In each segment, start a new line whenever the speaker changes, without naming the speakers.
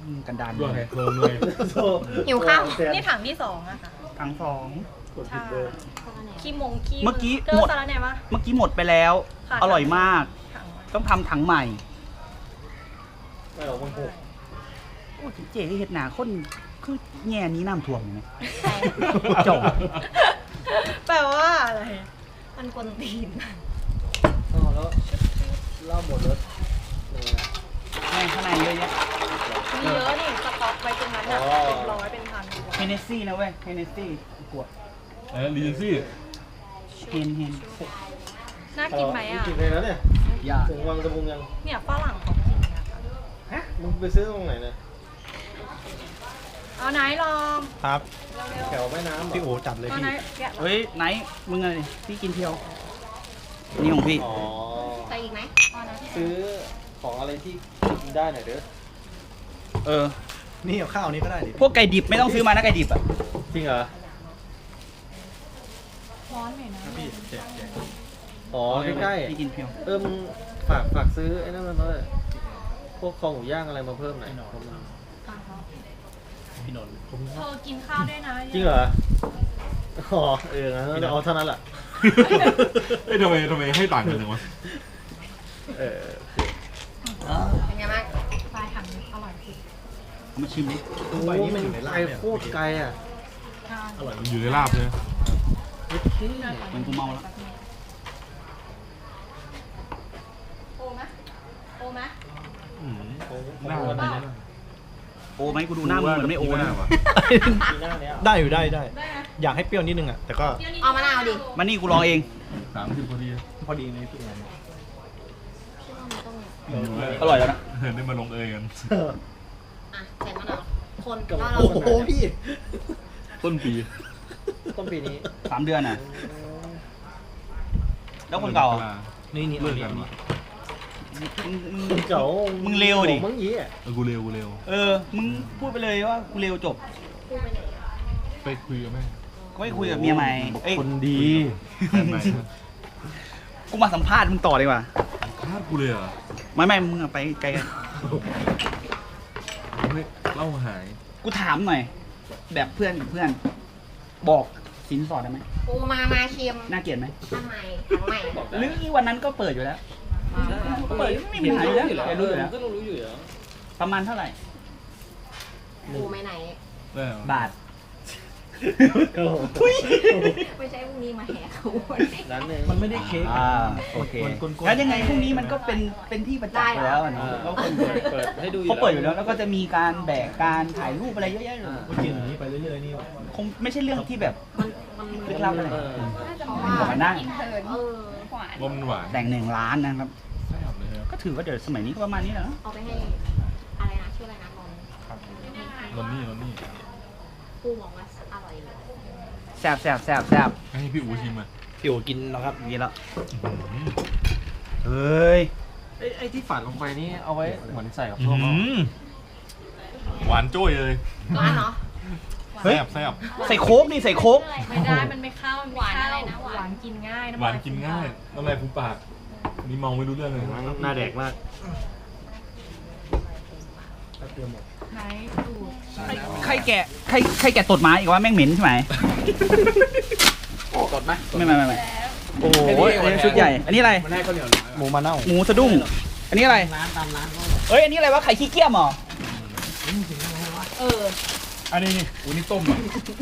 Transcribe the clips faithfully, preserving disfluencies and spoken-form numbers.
กันดาน
ด้วยเพิ่มเลย
หิวข้าวนี่ถังที่สองอะค่ะ
ทั้งสอง
ใช่ขี้มงขี้
เมื่อกี้
เจอ
หมด
สาระแหน่ปะ
เมื่อกี้หมดไปแล้ว
ค่ะ
อร่อยมาก
ถังไว้
ต้องทำถังใหม่
ไม่ออกมันหก
โอ้เจ๊เห็ดหนาคนคือแง่นี้น้ำท่วมอยู่ไหม
ใช่
จบ
แปลว่าอะไรมันกวนตีน
อ๋อแล้วเหล้าหมดแล้วเออ
แม่งข้างในเยอะแยะ
มีเยอะนี่สต็อกไว้ตรงนั้นอะ
อ๋อ
เป็นร้อยเป็นพันดีกว่า
เฮเนสซี่นะเว้ยเฮเนสซี่ขวด
เออรีเจนซี่
เฮนเฮน
น่ากินไหมอะ
กินเลยนะเนี่ย
อย่า
ถึงวังตะบุงยัง
เนี่ยฝรั่งเขากินนะคะ
ฮะมึงไปซื้อตรงไหนเนี่ย
เอาไหนลอง
ครับ
แถวแม่น้ำเหร
พี่โอจัดเลย
เอา
พี่
ไหนแกะ
เฮ้ยไหนมึงอะไรพี่กินเที่ยว นี่ของพี่
อ๋อ
ใส่อีกไหมเอานะ
ซื้อของอะไรที่กินได้หน่อยเด้อ
เออ
นี่เอาข้าวนี้ก็ได้ดิ
พวกไก่ดิบไม่ต้องซื้อมานะไก่ดิบอ่ะ
จริงเหรอ
ร้อนหน่อยนะ
พี่แจกแจก
อ๋อใกล้
พี่กินเที่ยว
ๆเออมึงฝากฝากซื้อไอ้นั่นมาเลยพวกคอหมูย่างอะไรมาเพิ่มหน่อย
พี่นนท์
เธอกินข้าวด้วยนะ
จริงเหรออ๋อเอองั้นเอาเท่านั้นแหละ
เอ้ยทำไมทำไมให้ต่างกันจังวะ
เออ
เป็นไงบ้างปลายถังอร่อยจริง
เอามาชิมดิ
โอ้โหมันไกลโคตรไกลอ่ะ
อร่อย
มันอยู่ในลาบเลย
เหมือนกูเมาแล้ว
โอไหมโอไหม
อืม
โอ้โห
หน้า
วั
มัน น
นี้
ดี
นะ
นะ
โอ้ไหมกูดูหน้ามึงเหมือนไม่โอ้นะ
ว่ะ
ปีหน้าเนี้ย
ได้อยู่ได้ได้
ได้ไหม
อยากให้เปรี้ยวนิดนึงอ่ะ แต่ก็
เอามะนาวดิ
มานี่กูลองเอง
สามสิบพอดี
พอดีในพี่นนท์
อร่อยแล้วนะ
เห็นได้มาลงเอยกัน
อ่ะใส่มะนาวคน
กับ
แล้วเรา
โอ้โหพี่
ต้นปี
ต้นปีนี้
สามเดือนอ่ะ แล้วคนเก่าอ่ะ
นี่นี่
เลิก
นี่
กัน
นี่
วะ
มึงมึง
คนเก่า
มึงเร็วดิ
มึงยี่อ่ะ
เออกูเร็วกูเร็ว
เออ มึงพูดไปเลยว่ากูเร็วจบ
พูดไปไหนอะ
ไปคุยกับแม่
ก็ไม่คุยกับเมียใหม่เอ้ย
คนดี
แฟนใหม่
กูมาสัมภาษณ์มึงต่อดีกว่า
คาดกูเลยเหรอ
ไม่ไม่มึงอะไปไกลกัน
เฮ้ยเล่าหาย
กูถามหน่อย แบบเพื่อนกับเพื่อน บอกสินสอดได้ไหม
ปูมามาเค็ม
น่าเกลียดไหม
ทำไมถังใหม่
หรือวันนั้นก็เปิดอยู่แล้ว เปิดไม่มีปัญหาอยู่แล้วแกรู้อยู่แล้ว
ก็รู้อยู่แล้ว
ประมาณเท่าไหร่
ปูไม่ไหน
ได้เหรอบ
าท
ไม่ใช่พรุ่งนี้มาแหกเขา
ร้านหนึ่ง
มันไม่ได้เค้ก
อ่าโอเค
มันกลมๆ
แล้วยังไงพรุ่งนี้มันก็เป็นเป็นที่ประจักษ์อยู่แล้วอะเนาะ
อ่า
เขาคน
เปิดให้ดูอยู่
เขาเปิดอยู่แล้วแล้วก็จะมีการแบกการถ่ายรูปอะไรเยอะแยะเลย
อ่า
ก็กินอย่างนี้ไปเรื่อยๆนี่
คงไม่ใช่เรื่องที่แบบ
มันมัน
ลึกลับอะไร
เออ
บอกมานั่ง
เออ
ว่ามันหวาน
แต่งหนึ่งล้านนะครับ
แซ่บเลยครับ
ก็ถือว่าเดี๋ยวสมัยนี้ก็ประมาณนี้แหละเนอะ
เอาไปให้อะไรนะชื่ออะไรนะนนท์
นนนี่นนนี่
ปูบอกว่าอร่อยเลย
แซ่บแซ่บแซ่บแซ่บ
ให้พี่อูชิมอ่ะ
พี่โอกินแล้วครับ
นี่แล้วเฮ้ย
ไอ้ไอ้ที่ฝานลงไปนี่เอาไว้เหมือนใส่กับ
อื
ส้มเอา
มหวานโจ้ยเลย
ร้านเนาะ
เฮ้ย
แซ่บแซ่บ
ใส่โค้กดิใส่โค้ก
ไม่ได้มันไม่เข้ามันหวานอะไรนะหวานกินง่าย
หวานกินง่ายน้ำลายฟูปากนี่เมาไม่รู้เรื่องเลย
หน้าแดกมาก
ไหนดู
ใครแกะใครใครแกะตดหมาอีกว่าแม่งเหม็นใช่ไหมตดไหมไม่ไม่ไม่ไม่โอ้โหอันนี้ชุดใหญ่ อันนี้อะไร
หมูมะนาว
หมูสะดุ้ง อันนี้อะไร
ร้านตามร้านเขา
เอ้ย อันนี้อะไรวะ ไข่ขี้เกียจเหรอ
เออ
อันนี้นี่อูนี่ต้มอ่ะ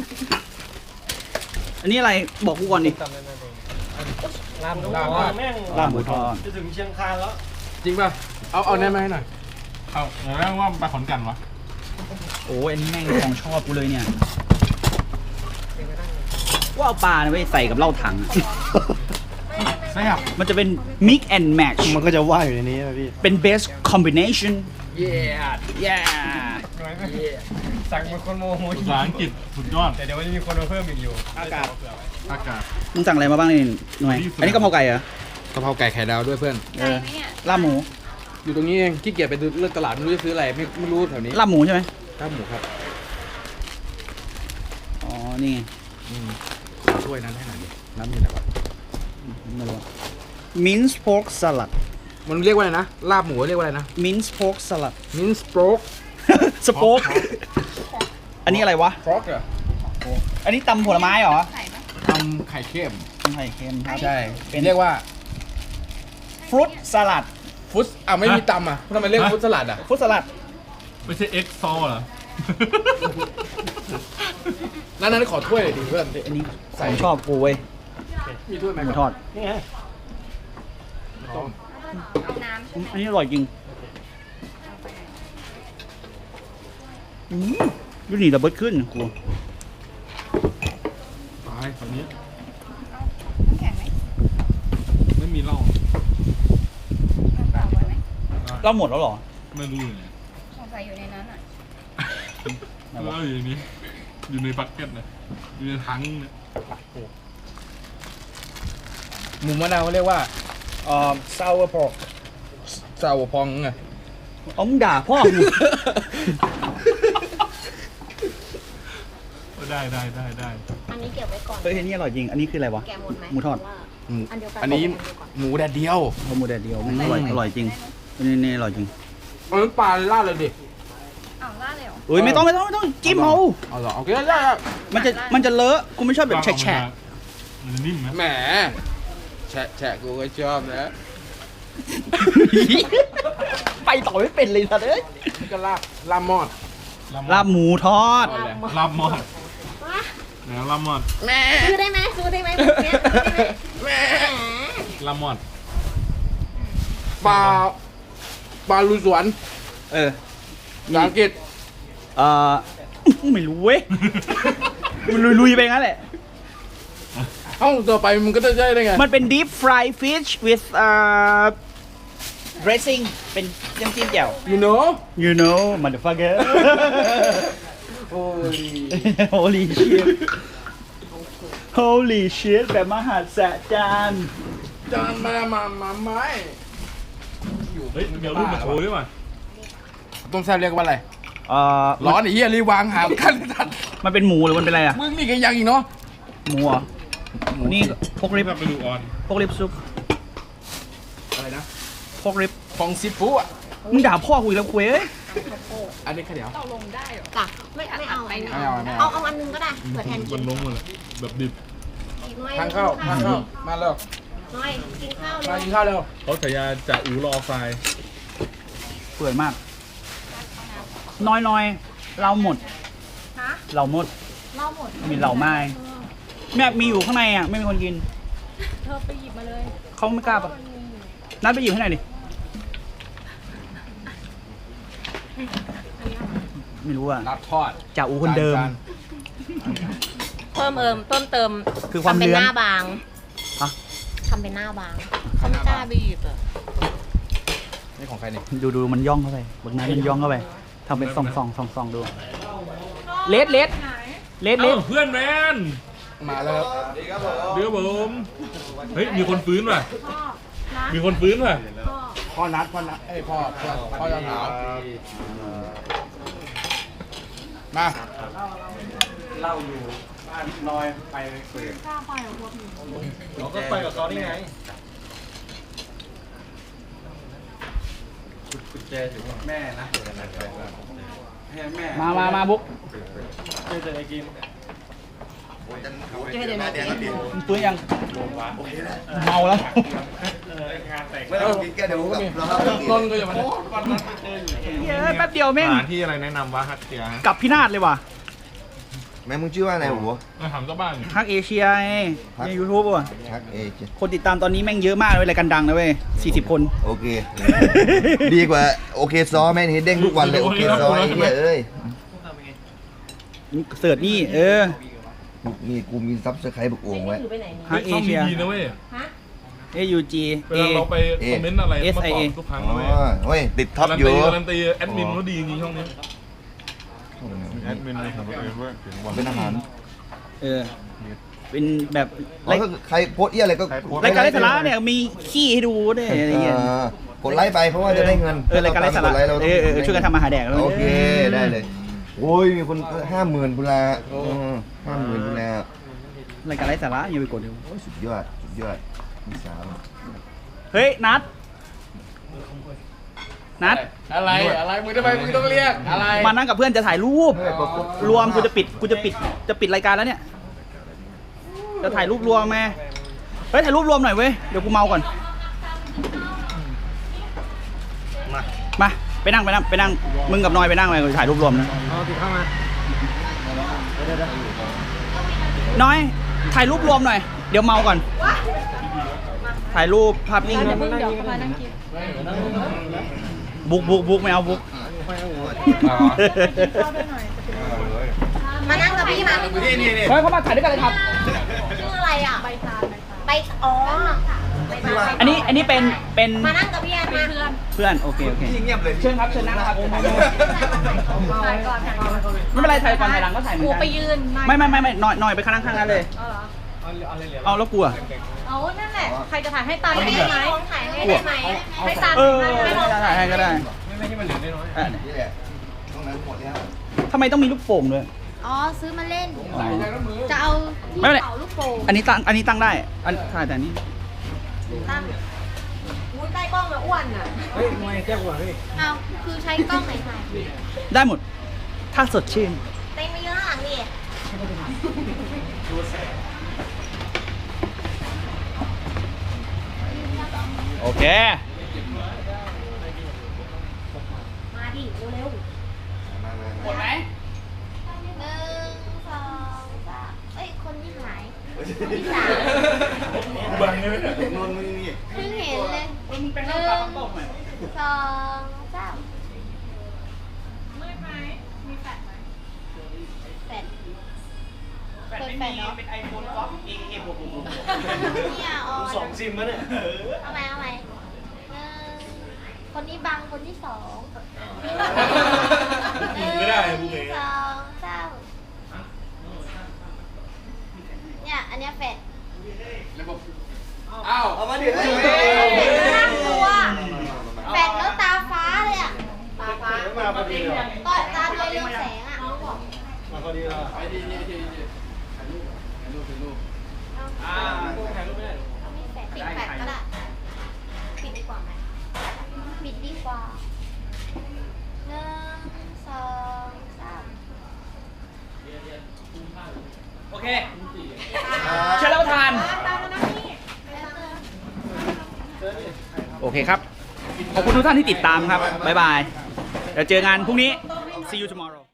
อันนี้อะไร บอกกูก่อนดิ
จำได้ไหมลาบหมู
ลาบ
ทอดแม่ง
ลาบหมูทอด
จะถึงเชียงคานแล้ว
จริงป่ะเอาเอาแน่มาให้หน่อยเอาแล้วว่าไปขอนแก่นวะ
โอ้ยอันนี้แม่งของชอบกูเลยเนี่ย ว่าเอาปลาเนี่ยไปใส่กับเหล้าถังอะ
แซ่บ
มันจะเป็น mix and match
มันก็จะว่ายอยู่ในนี้นะพี่
เป็น best combination
เย่
yeah
สั่งเป็นคนโมโห
ภาษาอังกฤษสุดยอด
แต่เดี๋ยวมันจะมีคนมาเพิ่มอีกอยู่
อากาศ
อากาศ
มึงสั่งอะไรมาบ้างนี่หน่วย อันนี้กะเพราไก่เหรอ
กะเพราไก่ไข่ดาวด้วยเพื่อน
เออลาบหมู
อยู่ตรงนี้เองขี้เกียจไปดูเลือกตลาดไม่รู้จะซื้ออะไรไม่ไม่รู้แถวนี้
ลาบหมูใช่ไหม
ลาบหมูครับ
อ๋อ นี่ไง
อืมช่วยนั้นให้หน่อยดิน้ำอยู่ไหนวะ
ไม่รู้ minced pork salad
มันเรียกว่าอะไรนะลาบหมูเรียกว่าอะไรนะ
minced pork salad
มินสโปรก
สโป๊กอันนี้อะไรวะ
ฟรอกเหรอ
อันนี้ตำผลไม้เหรอ
ทำไข่เค็ม
ตำไข่เค็มครับ
ใช่เป็นเรียกว่า
ฟรุตสลัด
ฟุตอ่ะไม่มีตำอ่ะทำไมเรียกฟุตสลัดอ่ะ
ฟรุตสลัด
ไม่ใช่เอ็กซ์ซอเหรอ
นั่นนั่นขอถ้วยหน่อยดิเพื่อน
อันนี้ผมชอบกูเว้ย
มีถ้วยไหม
หมูทอด
นี่ไง
ต้ม
อันนี้อร่อยจริงอืมดูนี่ดับเบิลขึ้นกู
ตายฝั่งนี้ไม่มีเหล้า
เราหมดแล้วเหรอ
ไม่รู้เลย
สงสัยอยู่ในนั้นอ่ะ
เหล้าอยู่ในนี้ อยู่ในบักเก็ตนะอยู่ในถังเนี่ย
หมูมะนาวเขาเรียกว่า
เอ่อ sour pork
ซาวพองไง
เอามึงด่าพ่อมึง
ได้ได้ได้ได้
อันนี้เก็บไว้ก่อน
เฮ้ยอันนี้อร่อยจริง อันนี้คืออะไรวะ
แกะหมดไหม
หมูทอด
ว่า
หมู
อันเดียวกัน
อันนี้หมูแดดเดียว
เอาหมูแดดเดียวอร่อยอร่อยจริงอันนี้นี่อร่อยจริง
เอาน้ำปลาลาดเลยดิ
อ้าวล่าดเลยเหรอ
เอ้ยไม่ต้องไม่ต้องไม่ต้องจิ้มเอา
เอาเหรอโอเคได้ได้
มันจะมันจะเลอะกูไม่ชอบแบบแฉะ
มันจะนิ่มไหม
แหมแฉะแฉะกูก็ชอบนะ
ๆไปต่อไม่เป็นเลยสัตว์เอ้ย
นี่ก็ลาบลาบมอด
ลาบหมูทอด
เอาเลย
ลาบมอดแล้วลาบมอด
แม่
ซื้อได้ไหมซื้อได้ไหมแบบเนี้ยซื้อได้ไหม
แม่
แหม
ลาบมอด
ปลาปลาลุยสวน
เออ
ภาษาอังกฤษ
เอ่อ ไม่รู้เว้ย มันลุยๆไปงั้นแหละ
เอ้าต่อไปมึงก็จะได้ได้ไง
มันเป็น deep fried fish with uh dressing เป็นน้ำจิ้มแจ่ว
you know
you know motherfucker
โอ้ย
holy shit holy shit แบบมหัศจรรย์
จานมามามาไม้
เฮ้ยเดี๋ยวรูปมาโชว์ด้วยว่ะ
ต้มแซ่บเรียกว่าอะไร
เอ่อ
ร้อนไอ้เหี้ยรีบวางหากันทัน
มันเป็นหมูหรือมันเป็นอะไรอ่ะ
มึงนี่ก็ยังอีกเนาะ
หมูเหรอนี่พกริบ
แบบไปดูออน
พกริบซุป
อะไรนะ
พกริบ
ฟองซิฟูอ่ะ
มึงด่าพ่อกูอีกแล้วกูเอ้ย
อันนี้ข้าวเหนียว
จ้ะไม่ไม่เอาไม่
ไม่เอาไม่
เอา
เอา
เอาอันนึงก็ได้เผื่อแทนกิ
มัน นลงหมดเลยแบบดิบ
อีกหน่อย
ทานข้าวทานข้าวมาเร็ว
หน่อยกินข้าว
มา
เลย
กินข้าวเร็ว
เขาฉายาจ่าอูรอไฟ
เปื่อยมาก น้อยๆ เราหมด
ฮะ
เราหมด
เล่าหมด
มีเหล่าไม้แม่มีอยู่ข้างในอ่ะ ไม่มีคนกิน
เธอไปหยิบมาเลย
เขาไม่กล้าปะนัดไปหยิบให้หน่อยดิ ไม่รู้อ่ะ
ลาบทอด
จ่าอูคนเดิม
จาน
เพิ่มเอิมเพิ่มเติม
คือความ
ทำเป็น
เลื้อน
หน้าบาง
ฮะ
ทำเป็นหน้าบางเขาไม่กล้าไปหยิบอ่ะ
นี่ของใครเนี่ย
ดูดูมันย่องเข้าไปบางนั้นมันย่องเข้าไปทำเป็นส่องส่องส่องส่องดูเลดเลดเลดเล
เอ้า
ด
เพื่อนแมน
มาแล้วครับ
เดี๋ยวผมเฮ้ยมีคนฟื้นว่ะมีคนฟื้นว่ะ
พ่อนัดพ่อนัดเอ้ยพ่อพ่อพ่อจะถามมา
เล่าอยู่บ้านน้อยไปเปิด
เราก็ไปกับเขาได้ไง
กุญแจถึงแม่นะให้แม่
มามามาบุ๊ก
เจอแต่ไอ้กิน
เจอเดี๋ยวนะ
มึงปืนยังเมาแล้ว
ไม่ต้องกินแกเดี๋ยวกับเรา
นนท์ก็อย่ามา
เยอะแป๊บเดียวแม่ง
หาที่อะไรแนะนำวะฮักเทีย
กลับพินาศเลยว่ะ
แม่มึงชื่อว่าอะไรหัว
มาถามเจ้าบ้าน
ฮักเอเชียไงในยูทูบว่ะ
ทักเอเจ
คนติดตามตอนนี้แม่งเยอะมากเลยรายการดังนะเว้ยสี่สิบคน
โอเค ดีกว่าโอเคซอแม่งเห็นเด้งทุกวันเลยโอเคซอไอ้เหี้ยเอ้ย
เสิร์ชนี่เออ
กูมีกูมีซับสไครต์บุกโอ่งไว้
ถือไปไหนเนี่ย
ฮักเอเชีย
ดีนะเว้ย
ฮะ
เอยูจี
เว
เอ
ลาเราไปคอมเมนต์อะไร
เอส
มา
ไอ
ตอ
เอ
บทุกครั้ง
อ๋
นะ
อ
เว้ย
เฮ้ยติดท็อป
การัน
อยู่
ตีการันตีแอดมินเขาดีจริงๆช่องนี้
แอดมินเป็นอาหาร
เออ เป็นแบบ
แล้วก็ใครโพสต์เอี้ยอะไรก็
รายการไร้สาระเนี่ยมีขี้ให้ดูด้วยอะไรเงี้ย
อ่ากดไลค์ไปเพราะว่าจะได้เงิน
เออรายการไร้สาระ
กดลค์
เออเออช่วยกันทำอาหารแดกแล้ว
โอเคได้เลยโอ้ยมีคนห้าหมื่นบุลาห้าหมื่นบุลาร
ายการไร้สาระอย่าไปกดดู
โอ้ยสุดยอดสุดยอดมีสาว
เฮ้ยนัดนัด
อะไรอะไรมึงทำไมมึงต้องเรียกอะไร
มานั่งกับเพื่อนจะถ่ายรูป รวมกูจะปิดกูจะปิดจะปิดรายการแล้วเนี่ย จะถ่ายรูปรวมแม่เฮ้ยถ่ายรูปรวมหน่อยเว้ยเดี๋ยวกูเมาก่อน
มา
มาไปนั่งไปนั่งไปนั่งมึงกับนอยไปนั่งไปกูจะถ่ายรูปรวมนะ
เอาติดเข้ามาเดี๋ยวเดี๋ยว
น้อยถ่ายรูปรวมหน่อยเดี๋ยวเมาก่อน ถ่ายรูปภาพนิ่ง
เดี๋ยวเพิ่งเดี๋ยวมานั่งกิน
บุ๊กบุ๊กบุ๊กไม่เอาบุ๊ก
เข้าด้วยหน่อยจะเป็น
มานั่งกับพี่มา
นี่นี่นี่
เฮ้ยเขามาถ่ายด้วยกันเลยครับ
ชื่ออะไรอ่ะ
ใบตาลใบตาล
ไปอ๋อไปตาม
อันนี้อันนี้เป็นเป็น
มานั่งกับพี่แอนมาเพื่อน
เพื่อนโอเคโอเค
เงียบเลย
เชิญครับเชิญนั่งครับ
ถ่ายก่อนถ่ายก่อน
ไม่เป็นไรถ่ายก่อนถ่ายหลังก็ถ่ายเหมือ
กู
นกัน
ไปยืน
ไม่ไม่ไม่ไม่นอยนอยไปข้างข้างนั้นเลย
เอาเหรอ
เอาแล้วกลัว
เอานั่นแหละ ใครจะถ่ายให้ตาลได้ไหม
ของถ่ายให้ได้ไหม
ให้ตาล
เออ
ให้ลอง
ถ่ายให้ก็ได้
ไม่ใช่มันเหลือน้อย
อ่ะ
นี่แหละตรงนั้นหมดแล้ว
ทำไมต้องมีลูกโป่งด้วย
อ๋อซื้อมาเล่น
ไหน
จะเอาที่
ไม่เป็นไร
เป่าลูกโป่ง
อันนี้ตั้งอันนี้ตั้งได้อันถ่ายแต่อันนี้
ตั้งอุ้ยใต้กล้องอะอ้วนอะ
เฮ้ยทำไมแก้กว่าเฮ้ย
เอาคือใช้กล้องไหนถ่าย
ได้หมด ถ้าสดชื่น
เต็มไปเยอะข้างหลังดิ
โอเค
มาดิเร็ว
มามา
หมดไหม
ๆหนึ่งสองสามเอ้ยคนที่หายคนที่สาม
บังเลยนนมึงนี่
เพิ่งเห็นเลย
มึงเป็น
ห
น้ำ
นึ่
ตาง ต้มไหม
สองสาม
มืดไหมมีแฟลชไหม
แปด
แปดไม่มีเป็นไอโฟนฟ็อกเอเอหกหกหก
เนี่ยออน
สองซิมแล้วเนี่ย
เอาไหมเอาไหมหนึ่งคนนี้บังคนที่สองไม่ได้บุเบสองสามเนี่ยอันเนี้ยแฟด
อ้าว
เอามาดิ
แฟดน่ากลัวแฟดแล้วตาฟ้าเลยอ่ะตาฟ้า
มาพอดีเลย
ต่อตาตัวเรืองแสงอ่ะน้องบอก
มาพอดีเลย
ไปดีดีดีดีถ่ายรูปถ่ายรูปถ่ายรูป
อ่า
ถ่ายรูปไม่ได้
เอาไม่แฟดปิดแฟดก็ได้ปิดดีกว่าไหมปิดดีกว่าหนึ่งสองสาม
โอเคเชิญรับประทาน
ตามมานั่งนี่
โอเคครับ ขอบคุณทุกท่านที่ติดตามครับ บ๊ายบาย เดี๋ยวเจองานพรุ่งนี้ see you tomorrow